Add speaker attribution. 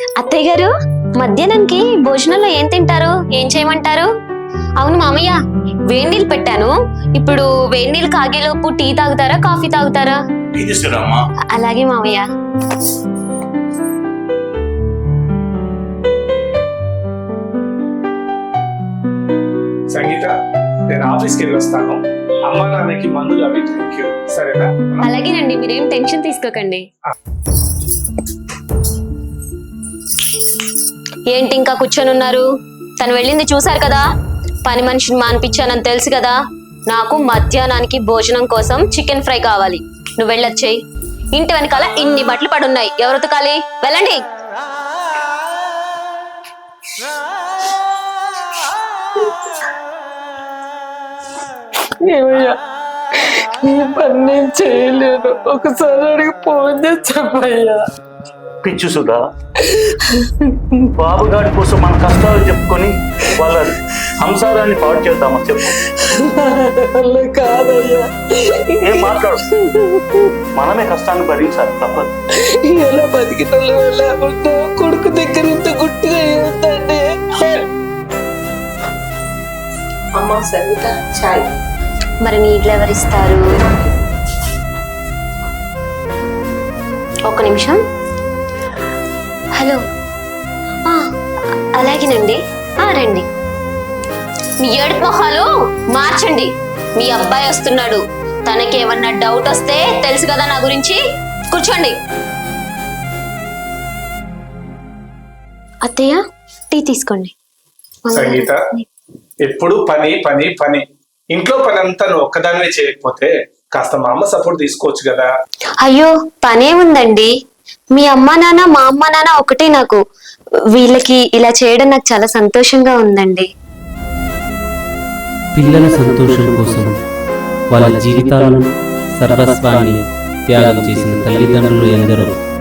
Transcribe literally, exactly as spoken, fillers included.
Speaker 1: అత్తయ్య గారు, మధ్యాహ్నానికి భోజనంలో ఏం తింటారు? ఏం చేయమంటారు? అవును మామయ్య, వేడి నీళ్ళు పెట్టాను. ఇప్పుడు వేడి నీళ్ళు కాగేలోపు టీ తాగుతారా, కాఫీ తాగుతారా? అలాగే మామయ్య.
Speaker 2: సంగీత, నేను ఆఫీస్కి వెళ్ళి వస్తాను. అమ్మ నాన్నకి మందులు అవి థ్యాంక్ యూ. సరేనా?
Speaker 1: అలాగేనండి, మీరేం టెన్షన్ తీసుకోకండి. ఏంటి ఇంకా కూర్చొని ఉన్నారు? తను వెళ్ళింది చూసారు కదా. పని మనిషిని మానిపించానని తెలుసు కదా. నాకు మధ్యాహ్నానికి భోజనం కోసం చికెన్ ఫ్రై కావాలి. నువ్వు వెళ్ళొచ్చేయి. ఇంటి వెనకాల ఇన్ని బట్టలు పడున్నాయి, ఎవరు ఉతకాలి? వెళ్ళండి.
Speaker 3: ఏమయ్యా, ఈ పని నేను చేయలేను. ఒకసారి అడిగి ఫోన్ చేసి చెప్పయ్యా.
Speaker 4: పిచ్చు సుధా, బాబుగాడి కోసం మన కష్టాలు చెప్పుకొని వాళ్ళ సంసారాన్ని పాడు చేద్దామా చెప్పు.
Speaker 3: అలా కాదయ్యా.
Speaker 4: ఏం మాట్లాడు, మనమే కష్టాన్ని భరించాలి, తప్పదు.
Speaker 3: ఎలా బతికితలో లేకుండా కొడుకు దగ్గర ఇంత గుట్టుగా ఉందండి. అమ్మ సరిత చాయ్.
Speaker 1: మరి నీళ్ళు ఎవరిస్తారు? ఒక్క నిమిషం. హలో, అలాగేనండి. రండి. మీ ఏడు మొహాలు మార్చండి. మీ అబ్బాయి వస్తున్నాడు. తనకి ఏమన్నా డౌట్ వస్తే తెలుసు కదా నా గురించి. కూర్చోండి. అత్తయ్య, టీ తీసుకోండి.
Speaker 2: సంగీత, ఎప్పుడు పని పని పని. ఇంట్లో పని అంతా నువ్వు ఒక్కదానివే చేయకపోతే కాస్త మా అమ్మ సపోర్ట్ తీసుకోవచ్చు కదా.
Speaker 1: అయ్యో, పనే ఉందండి. మీ అమ్మ నాన్న మా అమ్మ నాన్న ఒకటే నాకు. వీళ్ళకి ఇలా చేయడం నాకు చాలా సంతోషంగా ఉందండి.
Speaker 5: పిల్లల సంతోషం కోసం వాళ్ళ జీవితాలను సర్వస్వాన్ని త్యాగం చేసిన తల్లిదండ్రులు ఎందరో.